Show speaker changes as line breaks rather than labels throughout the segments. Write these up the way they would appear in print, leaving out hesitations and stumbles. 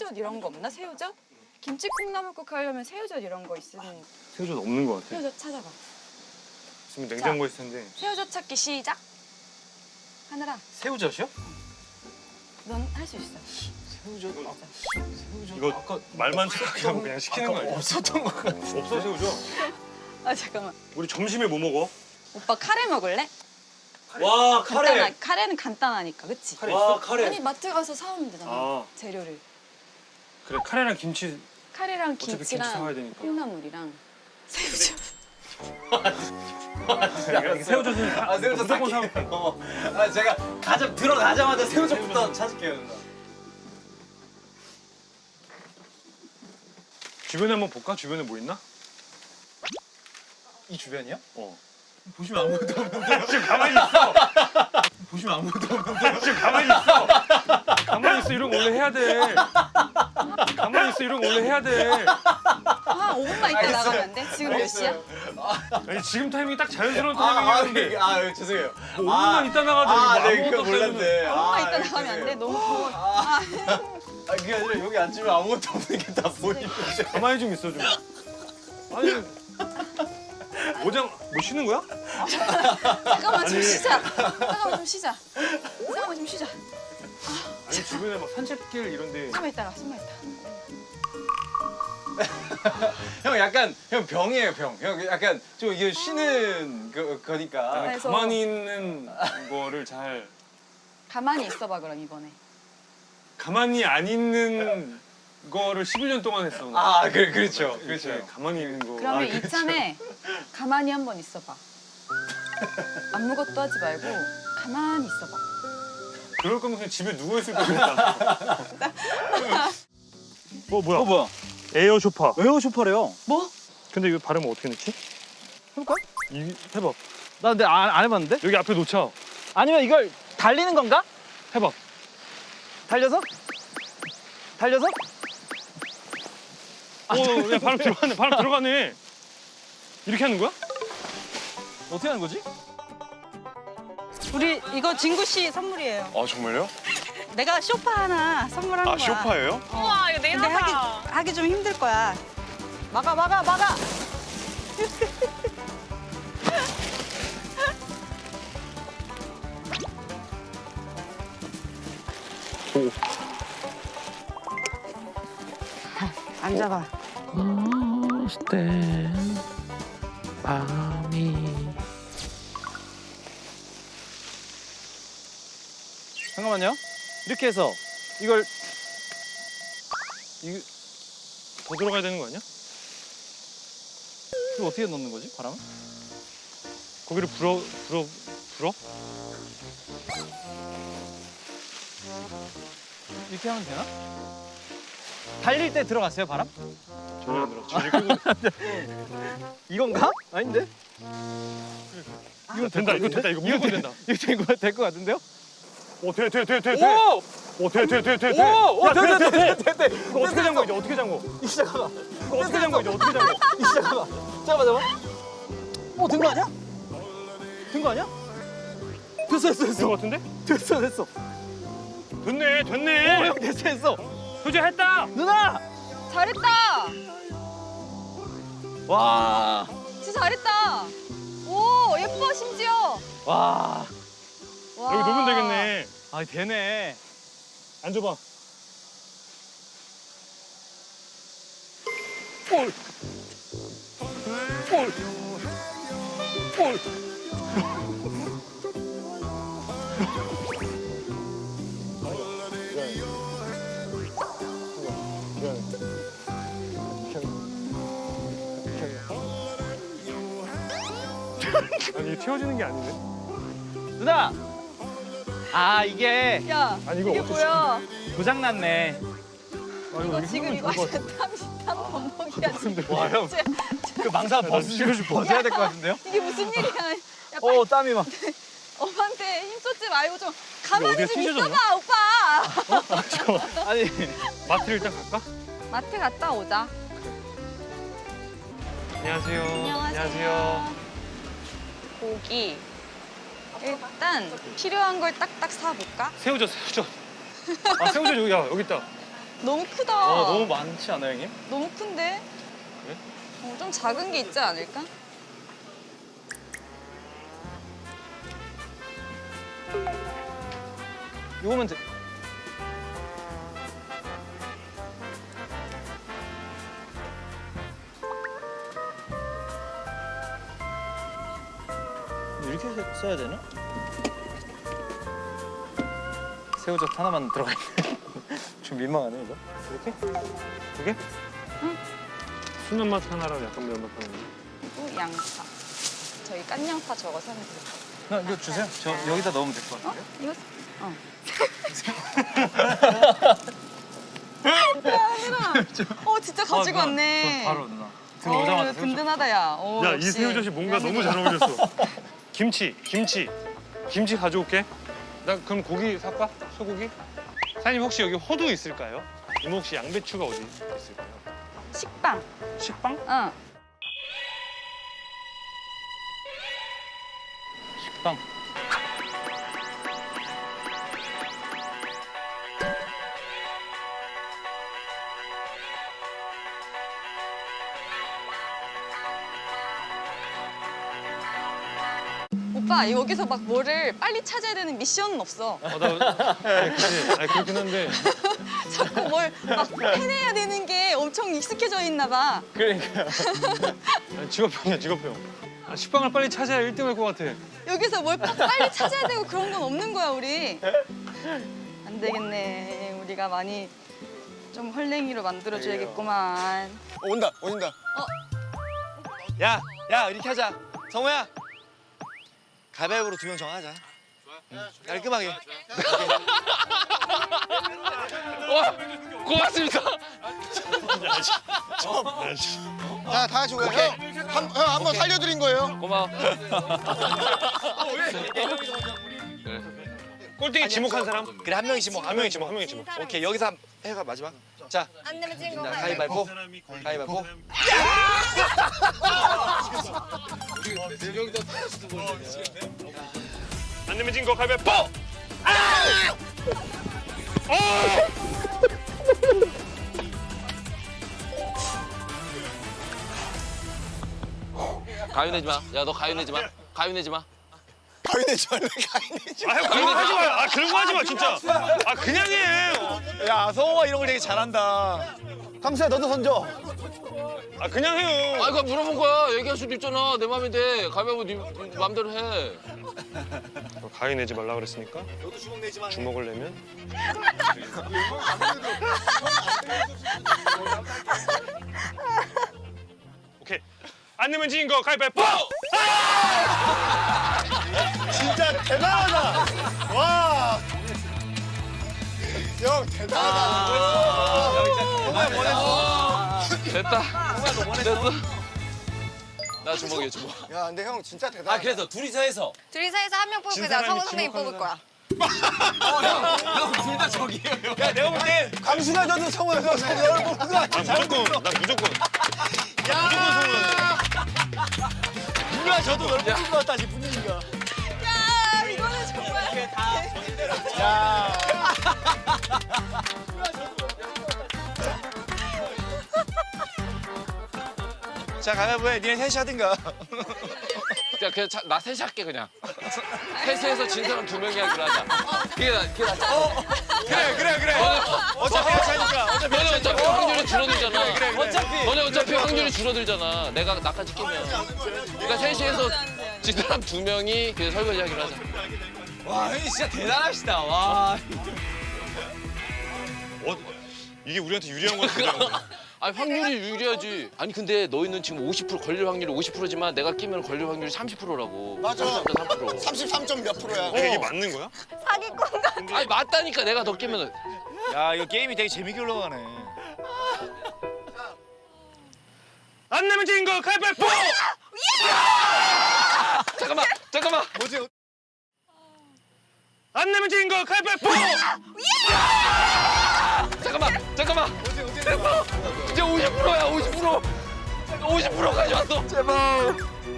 새우젓 이런 거 없나? 새우젓? 김치 콩나물국 하려면 새우젓 이런 거 있으면.
새우젓 없는 것 같아.
새우젓 찾아봐.
지금 냉장고에 있을 텐데.
새우젓 찾기 시작. 하늘아,
새우젓이요?
넌 할 수 있어.
새우젓. 새우젓.
이거 아까 말만 생각하고 그냥 시키는 거 아니야?
없었던 것 같아.
없어 새우젓.
아 잠깐만.
우리 점심에 뭐 먹어?
오빠 카레 먹을래?
와 카레.
카레는 간단하니까, 그치?
카레
와
있어?
카레.
아니 마트 가서 사오면 되잖아.
아.
재료를.
그래 카레랑 김치
카레랑
어차피 김치
김치랑
사와야 되니까.
콩나물이랑 새우젓.
새우젓은
새우젓
무조건
살게요.
사올게.
제가 들어가자마자 새우젓부터 찾을게요. 누나.
주변에 한번 볼까? 주변에 뭐 있나?
이 주변이요?
어.
보시면 아무것도 없는데.
지금 가만히 있어.
보시면 아무것도 없는데.
지금 가만히 있어. 가만히 있어. 이런 거 원래 해야 돼. 가만히 있어. 이런 거 원래 해야 돼.
아 5분만 있다 나가면 안 돼? 지금 몇 시야?
아니 지금 타이밍이 딱 자연스러운 타이밍이었는데
죄송해요.
뭐 5분만 있다 나가자.
네, 그거 몰랐네.
5분만 있다 나가면 안 돼? 너무 더워.
그게 아니라 여기 앉으면 아무것도 없는 게 다 보이는데.
가만히 좀 있어 좀. 아니 모장 뭐 쉬는 거야?
잠깐만 좀
아니.
쉬자. 잠깐만 좀 쉬자. 잠깐만 좀 쉬자.
아니 주변에 막 산책길 이런데.
숨만 있다가 숨만 있다.
형 약간 형 병이에요 병. 형 약간 좀 이게 쉬는 거니까.
아니,
그래서-
가만히 있는 거를 잘
가만히 있어봐 그럼 이번에.
가만히 안 있는 거를 11년 동안 했어.
그렇죠.
이렇게 가만히 있는 거.
그러면
그렇죠.
이참에 가만히 한번 있어봐. 아무것도 하지 말고 가만히 있어봐.
그럴 거면 그냥 집에 누워 있을 거겠다. 뭐야?
뭐야?
에어 쇼파.
에어 쇼파래요.
뭐?
근데 이거 발음 어떻게 넣지?
해볼까?
해봐.
나 근데 안 해봤는데?
여기 앞에 놓자.
아니면 이걸 달리는 건가?
해봐.
달려서? 달려서?
야 바람 들어가네. 바람 들어가네. 이렇게 하는 거야?
어떻게 하는 거지?
우리 이거 진구 씨 선물이에요.
아 정말요?
내가 쇼파 하나 선물하는 거야.
쇼파예요?
우와 이거 내일 하기 좀 힘들 거야. 막아. 앉아봐.
잠깐만요. 이렇게 해서 이걸
이거 더 들어가야 되는 거 아니야?
이거 어떻게 넣는 거지? 바람은?
거기를 불어?
이렇게 하면 되나? 달릴 때 들어갔어요 바람?
전혀 안 들어. 지금 끄고
이건가? 아닌데?
이거 된다. 이거 된다. 이거 무조건 된다.
이거 될 것 같은데요?
오 돼.
오!
돼.
오!
돼.
오!
야, 돼.
돼!
이거 어떻게 잠궈 이제 어떻게 잠궈?
이 시작하나?
이거 어떻게 잠궈 이제 어떻게 잠궈?
이 시작하나? 잠깐만. 된 거 아니야? 된 거 아니야? 됐어.
된 거 같은데?
됐어.
됐네.
오, 형 됐어.
효재 했다.
누나!
잘했다.
와.
진짜 잘했다. 오 예뻐 심지어.
와.
와.
여기 놓으면 되겠네.
아, 되네.
앉아봐. 아니 이게 튀어지는 게 아닌데?
누나! 아, 이게
야
아니 이거
이게
어떻게
뭐야?
고장 났네.
이거 지금 이거 땀 범벅이야 지금.
와, 형. 그 망사 벗어야 될 것 같은데요?
이게 무슨 일이야? 야,
오, 땀이 막.
엄마한테 힘 쏟지 말고 좀 가만히
어디가
좀
찢어졌나?
있어봐 오빠.
아니.
마트를 일단 갈까?
마트 갔다 오자.
안녕하세요.
안녕하세요. 고기. 일단 필요한 걸 딱딱 사볼까?
새우젓. 아 새우젓 여기 있다.
너무 크다.
너무 많지 않아요, 형님?
너무 큰데?
그래?
좀 작은 게 있지 않을까?
이거면 돼. 이렇게 써야 되나? 새우젓 하나만 들어가 있네. 좀 민망하네 이거. 이렇게? 두 개?
순한 맛 하나랑 약간 매운맛 하나.
그리고 양파. 저희 깐 양파 저거 사면 될 것
이거 주세요. 저 여기다 넣으면 될 것
같아요.
같은데.
이거? 어. 진짜 가지고
누나,
왔네.
저 바로 누나. 들어오자마자 새우젓.
든든하다, 야. 오,
야, 이
역시.
새우젓이 뭔가 너무 잘 어울렸어. 김치 가져올게. 나 그럼 고기 살까? 소고기? 사장님 혹시 여기 호두 있을까요? 이모 혹시 양배추가 어디 있을까요?
식빵.
식빵?
응.
식빵.
오빠, 여기서 막 뭐를 빨리 찾아야 되는 미션은 없어.
그치. 아니, 그렇긴 한데.
자꾸 뭘 막 해내야 되는 게 엄청 익숙해져 있나 봐.
그러니까.
아니, 직업병이야, 직업병. 아, 식빵을 빨리 찾아야 1등 할 것 같아.
여기서 뭘 빨리 찾아야 되고 그런 건 없는 거야, 우리. 안 되겠네. 우리가 많이 좀 헐랭이로 만들어줘야겠구만.
온다. 야 이렇게 하자. 성우야. 가위바위보로 2명 정하자. 깔끔하게.
고맙습니다.
자, 다 같이 오케이. 형 한 번 살려드린 거예요.
고마워. 꼴등이 지목한 사람?
그래, 한 명이 지목.
한 명이 지목, 한 명이 지목.
오케이, 여기서 해가 마지막. 자,
안 되면 찐 거.
가위바위보. 가위바위보.
안 내면 진 거 가위바위보!
가위 내지 마. 야, 너 가위 내지 마. 가위 내지 마.
가위 내지 말래, 가위 내지
아, 형 그런 거 하지 마. 아, 그런 거 하지 마, 진짜. 아, 그냥 해.
야, 성우가 이런 걸 되게 잘한다. 강수야, 너도 던져.
아, 그냥 해요.
아, 이거 물어본 거야. 얘기할 수도 있잖아. 내 맘인데. 가위바위보 네 맘대로 해.
가위 내지 말라 그랬으니까
너도 주먹 내지 마.
주먹을 내면 오케이. 안 내면 진 거 가위바위보!
진짜 대단하다. 와. 형, 대단하다.
됐다. 됐어. 나 주먹이야, 주먹.
야, 근데 형 진짜 대단하다.
그래서 둘이서 해서.
둘이서 해서 한 명 뽑을 거야. 성우 선생님 뽑을 거야.
둘 다 저기예요.
야, 내가 볼 때 강수가 져도 성우야, 너 너를 뽑는 거 같아.
나 무조건.
누가 져도 너를 뽑는 거 같다, 지금 분위기가.
야, 이거는 정말.
야. 자, 가위바위보 해. 니네 셋이 하든가.
야, 그냥 나 셋이 할게, 그냥. 셋에서 진 사람 2명이 하기로 하자. 그게 낫잖아.
그래. 어차피 같이 하니까.
너네 어차피 확률이 줄어들잖아.
그래.
너네 어차피 확률이 줄어들잖아. 나까지 끼면. 그러니까 셋이 해서 진 사람 2명이 그 설거지 하기로 하자.
와, 형님 진짜 대단하시다. 와.
이게 우리한테 유리한 거 같은데.
아니 확률이 유리하지. 아니 근데 너희는 지금 50% 걸릴 확률이 50%지만 내가 끼면 걸릴 확률이 30%라고.
맞아.
33.3%.
33점 몇 프로야.
이게 맞는 거야?
사기꾼 같아.
아니 맞다니까 내가 더 끼면은.
야, 이거 게임이 되게 재밌게 흘러가네.
안 내면 진 거 가위바위보!
잠깐만.
뭐지?
안 내면 진 거 가위바위보!
잠깐만. 됐어. 이제 50%야 50%. 50% 가져왔어.
제발.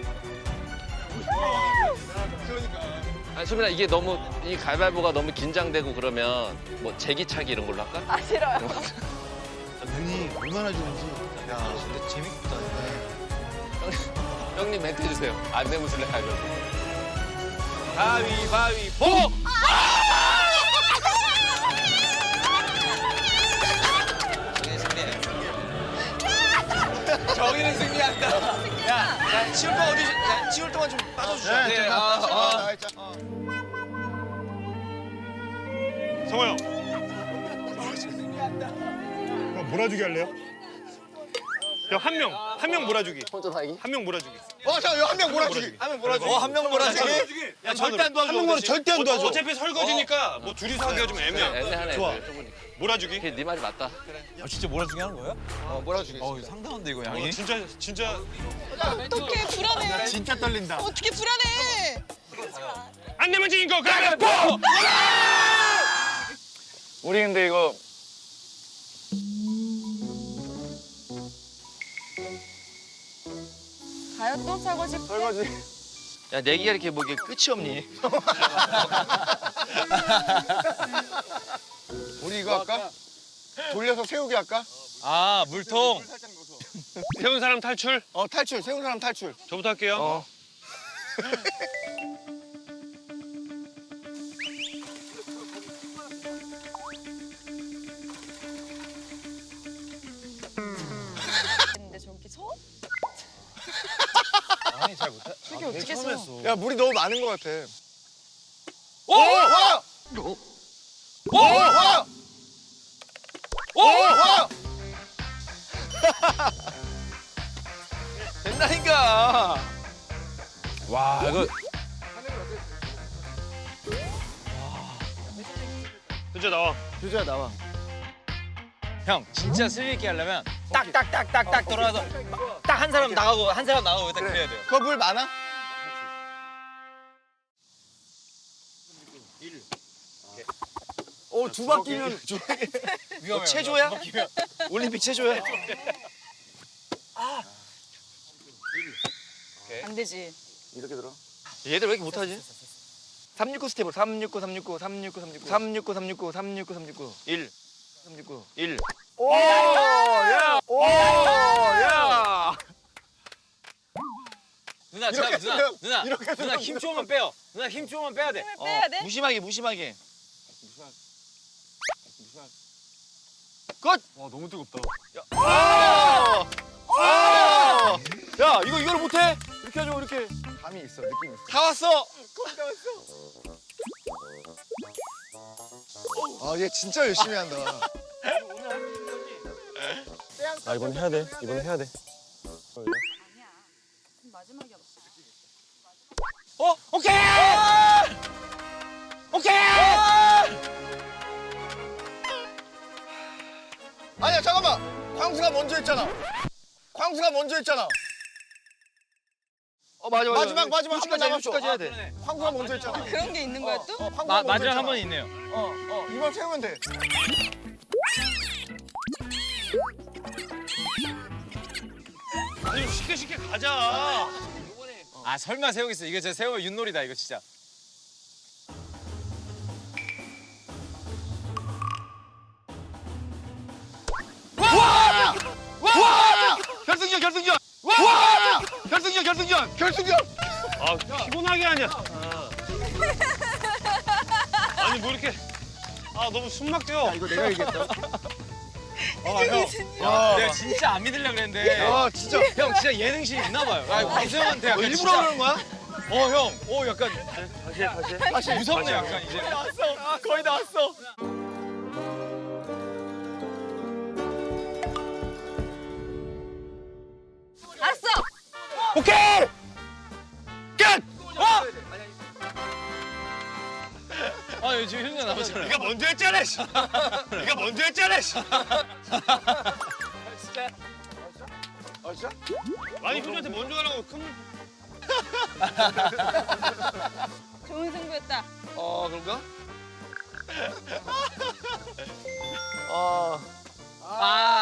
아니 소민아 이게 너무 이 가위바위보가 너무 긴장되고 그러면 뭐 제기차기 이런 걸로 할까?
아, 싫어요.
눈이 얼마나 좋은지. 야,
근데 재밌다.
형님 멘트 해주세요. 안내무술래 가죠.
가위바위보! 정의는 승리한다. 야, 치울 동안 어디? 야, 치울 동안 좀 빠져주자.
네,
네,
성호 형. 그럼 몰아주기 할래요? 형 한 명 몰아주기.
혼자 살기?
한 명 몰아주기.
자, 이거 한 명 몰아주기.
하면 몰아주기. 한 명 몰아주기. 야, 절대 안 도와줘.
한 명만 절대 안 도와줘.
어차피 설거지니까 뭐 둘이서 하기가 좀 애매해.
애매하네.
좋아.
좁으니까.
몰아주기.
네 말이 맞다.
아, 진짜 몰아주기 하는 거야?
몰아주기.
상당한데 이거 양이.
진짜
어떻게 불안해.
진짜 떨린다.
어떻게 불안해.
안 내면 지인 거 가위바위보!
우리 근데 이거
가요 또 설거지.
야, 내기가 이렇게 뭐 이게 끝이 없니?
우리 이거 할까? 돌려서 세우기 할까?
아, 물통.
세운 사람 탈출.
탈출. 세운 사람 탈출.
저부터 할게요.
근데 저기 서?
아니, 잘 못해.
저기 어떻게 서?
야, 물이 너무 많은 것 같아.
오!
와!
오!
와!
오!
와!
된다니까. 와, 이거
현재 나와.
규재야 나와.
형 진짜 스릴 있게 하려면 딱딱딱딱딱 돌아서 딱 한 사람 나가고 한 사람 나가고 딱 그래야 돼요.
그거 물 많아? 두 바퀴면
위험해. 체조야? 올림픽 체조야?
안 되지.
이렇게 들어.
얘들 왜 이렇게 못하지? 369 스텝으로 369 369 369 369 369 369 369 369 1 369 1
오! 야! 오! 야!
누나
이렇게
잠깐
쓰면,
누나
이렇게
누나
쓰면
힘 조금만 빼요. 누나 힘 조금만 빼야 돼.
힘을 빼야 돼?
무심하게 무심하게.
끝!
와 너무 뜨겁다.
야 이거 이걸 못해? 이렇게 하죠 이렇게.
감이 있어. 느낌 있어.
다 왔어.
얘 진짜 열심히 한다.
아 이번 해야 돼. 이번 해야 돼.
아니야. 마지막이야.
오케이. 오케이.
아니야, 잠깐만. 광수가 먼저 했잖아. 광수가 먼저 했잖아.
맞아
마지막 한 번 남았어.
끝까지 해야 돼.
광수가 먼저 했잖아.
그런 게 있는 거야 또?
광수가 먼저
마지막
했잖아.
한 번 있네요.
이번 세우면 돼.
아니 좀 쉽게 가자.
아 설마 세우겠어. 이거 진짜 세우면 윷놀이다 이거 진짜.
결승전, 결승전. 와! 결승전, 결승전. 결승전.
아 피곤하게 하냐. 아니 뭐 이렇게 너무 숨 막혀.
이거 내가 이겼다.
내가 진짜 안 믿으려고 그랬는데.
진짜.
형 진짜 예능심이 있나 봐요. 광수형한테 약간
일부러
진짜.
그러는 거야?
형. 약간
다시.
무섭네 약간 이제.
나왔어. 거의 나왔어.
알았어.
오케이. 끝.
지금 현재 나오잖아요.
네가 먼저 했잖아. 씨. 네가 먼저 했잖아. 씨.
진짜?
아니 효주한테 먼저 하라고 큰.
좋은 승부였다.
그런가?